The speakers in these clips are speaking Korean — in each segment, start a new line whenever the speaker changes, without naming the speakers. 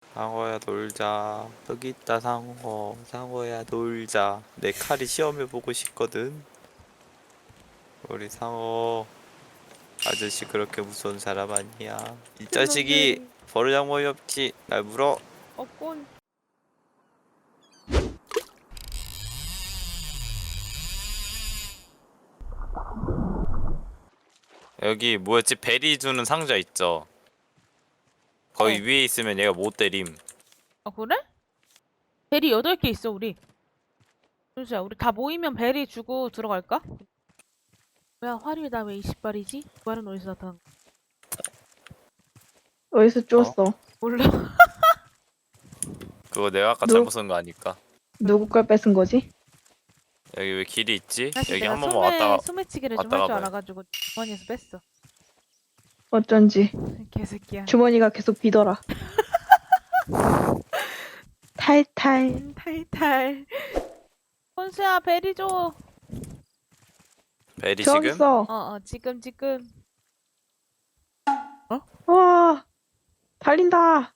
상어야 놀자. 여기 있다 상어. 상어야 놀자. 내 칼이 시험해보고 싶거든. 우리 상어 아저씨 그렇게 무서운 사람 아니야. 이 자식이
그런데
버르장머리 없지. 날 물어.
어꼰
여기 뭐였지? 베리 주는 상자 있죠? 거기 위에 있으면 얘가 못 때림.
아 그래? 베리 8개 있어 우리. 준수야 우리 다 모이면 베리 주고 들어갈까? 뭐야 화류에 나 왜 20발이지? 말은 어디서 나타난 거야?
어디서 ጩ었어?
몰라.
그거 내가 아까
누,
잘못 쓴 거 아닐까?
누구 걸 뺏은 거지?
여기 왜 길이 있지?
사실
여기
내가
한 번만 왔다가
소매치기를 좀
왔다가
할 줄
봐요.
알아가지고 주머니에서 뺐어.
어쩐지
개새끼야.
주머니가 계속 비더라. 탈탈.
탈탈. 혼수야 베리 줘.
베리
저기
지금?
있어.
지금.
와, 달린다.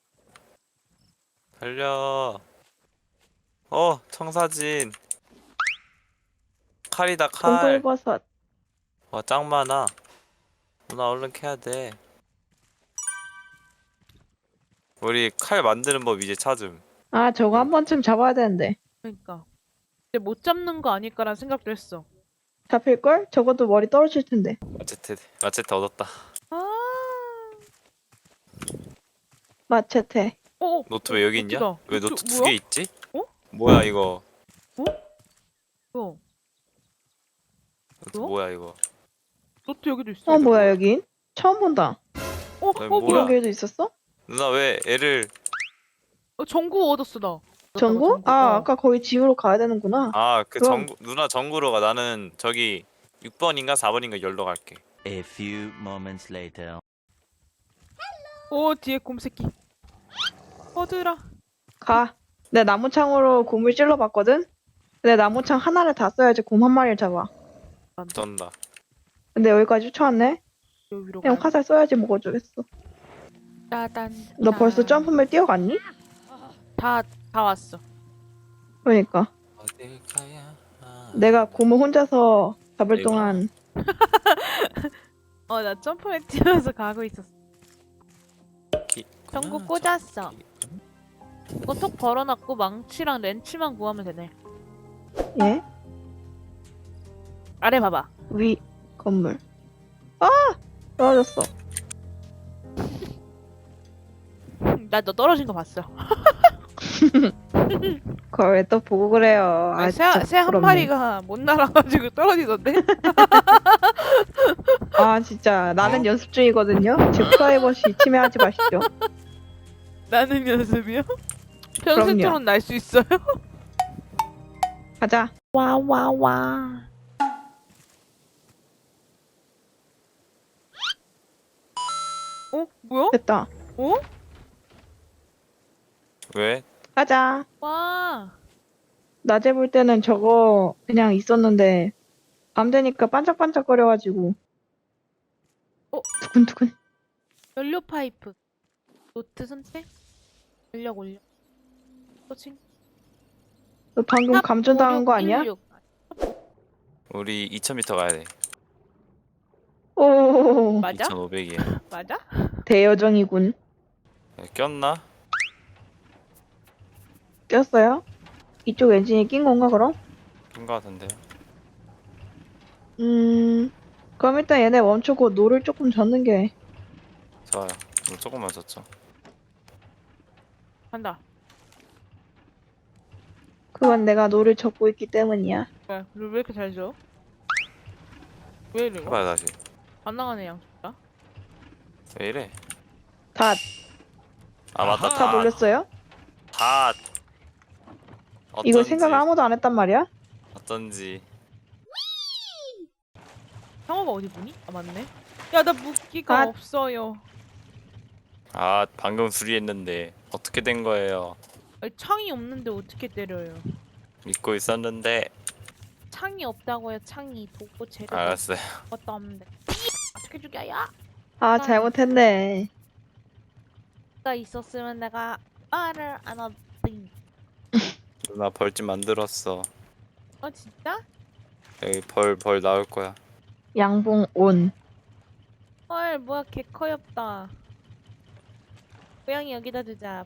달려. 청사진. 칼이다 칼.
동굴버섯.
와 짱 많아. 누나 얼른 캐야 돼. 우리 칼 만드는 법 이제 찾음.
아, 저거 한 번쯤 잡아야 되는데.
그러니까. 근데 못 잡는 거 아닐까라는 생각도 했어.
잡힐걸? 적어도 머리 떨어질 텐데.
마체테 얻었다.
아.
마체테.
노트 왜 여기 있냐?
노트다.
왜
노트
노트 두
뭐야?
개 있지?
어?
뭐야 이거?
뭐야?
노트
뭐?
뭐야 이거?
노트 여기도 있어.
어, 뭐야, 여긴? 처음 본다.
뭐야?
뭐야?
이런 길도 있었어?
누나 왜 애를?
전구 얻었어 나.
전구? 아, 아까 거기 지우러 가야 되는구나.
그
그럼-
전구 누나 전구로 가. 나는 저기 6번인가 4번인가 열러 갈게.
A few moments later.
뒤에 곰새끼. 어들아.
가. 내 나무창으로 곰을 찔러봤거든? 근데 나무창 하나를 다 써야지 곰 한 마리를 잡아.
쩐다.
근데 여기까지 쫓아왔네?
여기 위로
그냥
가요.
화살 써야지 뭐 어쩌겠어.
따단.
너 벌써 점프맨 뛰어갔니?
다 왔어.
그러니까.
어딜 가야?
내가 곰을 혼자서 잡을
이거.
동안
나 점프맨 뛰어서 가고 있었어. 전구 꽂았어. 이거 톡 걸어놨고 망치랑 렌치만 구하면 되네.
예?
아래 봐봐.
위 건물. 아! 떨어졌어.
나 너 떨어진 거 봤어.
그걸 왜 또 보고 그래요. 아, 진짜
새 한
부끄럽네.
마리가 못 날아가지고 떨어지던데?
아 진짜 나는 연습 중이거든요. 제 프라이버시 침해하지 마시죠.
나는 연습이요?
그럼요.
평생토론 날 수 있어요?
가자.
와와와. 뭐야?
됐다.
왜?
가자.
와.
낮에 볼 때는 저거 그냥 있었는데 밤 되니까 반짝반짝거려가지고 두근두근.
연료 파이프. 노트 선택. 전력 올려. 터칭.
너 방금 감전당한 거 아니야?
56.
우리 2000m 가야 돼.
오
맞아?
2500이야.
맞아?
대여정이군.
꼈나?
꼈어요? 이쪽 엔진이 낀 건가 그럼?
낀거 같은데.
그럼 일단 얘네 멈추고 노를 조금 젓는 게.
좋아요. 이거 조금만 줬죠.
간다.
그건 내가 노를 젓고 있기 때문이야.
왜 이렇게 잘 줘? 왜 이래?
해봐요 다시.
안 나가네 양쪽다.
왜 이래?
다
맞다.
다 돌렸어요?
다.
이거
어쩐지.
생각 아무도 안 했단 말이야?
어쩐지.
상어가 어디 보니? 맞네. 야 나 무기가
아.
없어요.
방금 수리했는데 어떻게 된 거예요?
아니, 창이 없는데 어떻게 때려요?
믿고 있었는데.
창이 없다고요. 창이 도구 재료
알았어요.
것도 없는데. 어떻게 죽여요?
아 잘못했네.
가 있었으면 내가 말을 안 하지.
누나 벌집 만들었어.
어 진짜?
여기 벌 나올 거야.
양봉 온.
헐 뭐야 개 커엽다. 고양이 여기다 두자.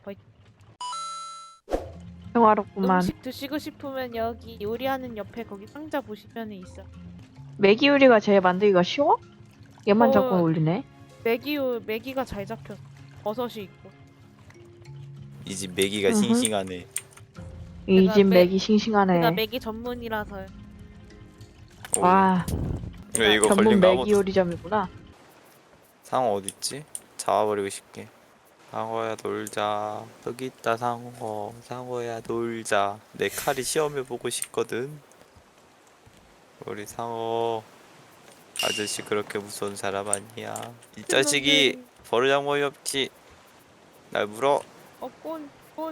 평화롭구만.
음식 드시고 싶으면 여기 요리하는 옆에 거기 상자 보시면 있어.
매기 요리가 제일 만들기가 쉬워? 얘만 자꾸
어.
올리네.
메기가 잘 잡혔어. 버섯이 있고.
이 집 메기가
으흠.
싱싱하네.
이
내가
집
매-
매기 싱싱하네.
내가 메기 전문이라서.
오.
와,
왜 이거
전문
걸린 거
매기
아무도.
요리점이구나.
상어 어딨지? 잡아버리고 싶게. 상어야 놀자. 여기 있다 상어. 상어야 놀자. 내 칼이 시험해보고 싶거든. 우리 상어. 아저씨 그렇게 무서운 사람 아니야. 이 자식이 버르장머리 없지. 날 물어.
꼰.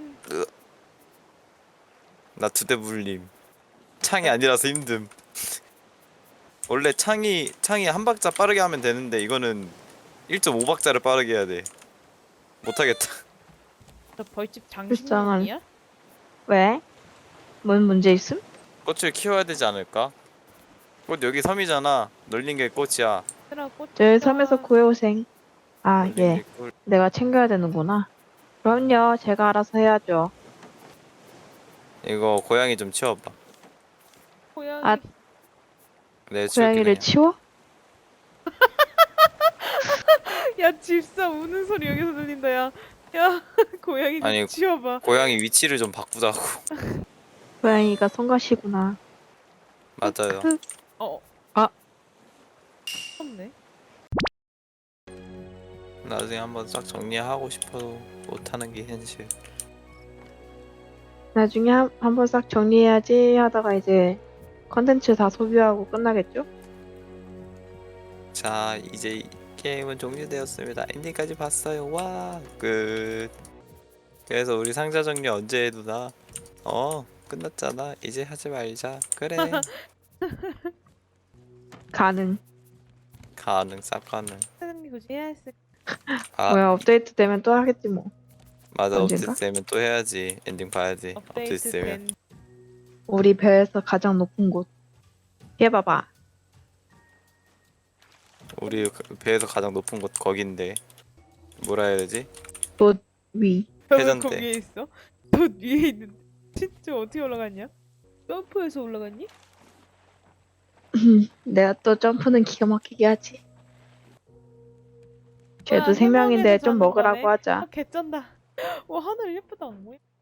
나 두 대 물림. 창이 아니라서 힘듦. 원래 창이 한 박자 빠르게 하면 되는데 이거는 1.5박자를 빠르게 해야 돼. 못하겠다.
저 벌집
불쌍한.
장신놈이야?
왜? 뭔 문제 있음?
꽃을 키워야 되지 않을까? 꽃 여기 섬이잖아. 널린 게 꽃이야.
얘들아 꽃.
저희 섬에서 구해오생. 아,
널린
예.
게 꽃.
내가 챙겨야 되는구나. 그럼요, 제가 알아서 해야죠.
이거 고양이 좀 치워봐.
고양이.
아,
내 치울게
고양이를
그냥.
치워?
야 집사 우는 소리 여기서 들린다 야. 야 고양이 좀
아니,
치워봐.
고양이 위치를 좀 바꾸자고.
고양이가 성가시구나.
맞아요.
어.
아.
없네.
나중에 한번 싹 정리하고 싶어도 못하는 게 현실.
나중에 한번 싹 정리해야지 하다가 이제 컨텐츠 다 소비하고 끝나겠죠?
자, 이제 게임은 종료되었습니다. 엔딩까지 봤어요. 와, 끝. 그래서 우리 상자 정리 언제 해 누나? 끝났잖아. 이제 하지 말자. 그래.
가능.
가능, 싹 가능.
사장님 굳이 해야 했을.
아,
뭐야, 업데이트 되면 또 하겠지 뭐.
맞아.
언젠가?
업데이트 되면 또 해야지. 엔딩 봐야지. 업데이트
업데이트
되면.
된.
우리 배에서 가장 높은 곳. 해봐봐.
우리 배에서 가장 높은 곳 거긴데. 뭐라 해야 되지?
돛 위.
왜
회전대.
거기에 있어? 저 위에 있는데. 진짜 어떻게 올라갔냐? 점프해서 올라갔니?
내가 또 점프는 기가 막히게 하지.
뭐야,
쟤도 생명인데
해먹에서
좀
자는
먹으라고
거네?
하자.
아 개쩐다. 와 하늘 예쁘다. 뭐야?